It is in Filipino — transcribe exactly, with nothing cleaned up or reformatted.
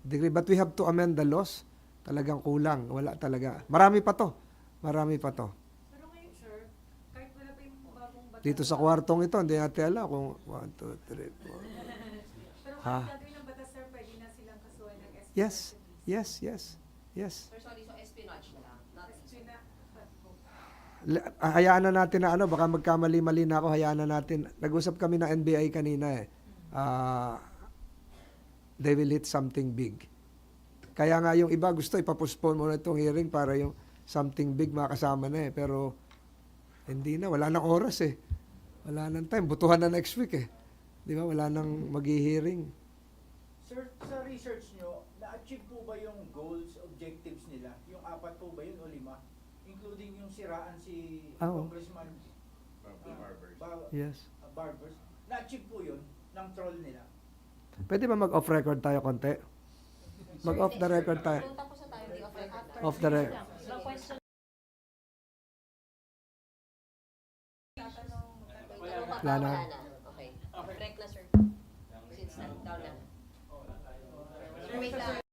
degree. But we have to amend the laws. Talagang kulang. Wala talaga. Marami pa to. Marami pa to. Pero ngayon, sir, kahit wala pa yung bagong batas. Dito sa kwartong ito, hindi natin alam kung one, two, three, four. Pero Ha? kahit gagawin ng batas, sir, pwede na silang kasuhan ng espionage. Yes. Yes, yes. Yes. Sir, sorry, so espionage na lang. Not Espionage. L- Hayaan na natin na ano, baka magkamali-mali na ako, hayaan na natin. Nag-usap kami ng N B I kanina eh. Ah, they will hit something big. Kaya nga yung iba gusto ipapospone muna itong hearing para yung something big makasama na eh. Pero hindi na, wala nang oras eh. Wala nang time. Butuhan na next week eh. Di ba? Wala nang mag-hearing. Sir, sa research nyo, na-achieve po ba yung goals, objectives nila? Yung apat po ba yun o lima? Including yung siraan si Ah, oo. Congressman uh, Bar- Yes. uh, Barbers. Na-achieve po yun ng troll nila? Pwede ba mag-off record tayo konti? Mag-off the record tayo. Kung tapos na tayo, hindi off record na. Off the record. No question. Wala na. Okay. Break na, sir. Since down na. Sir, wait lang.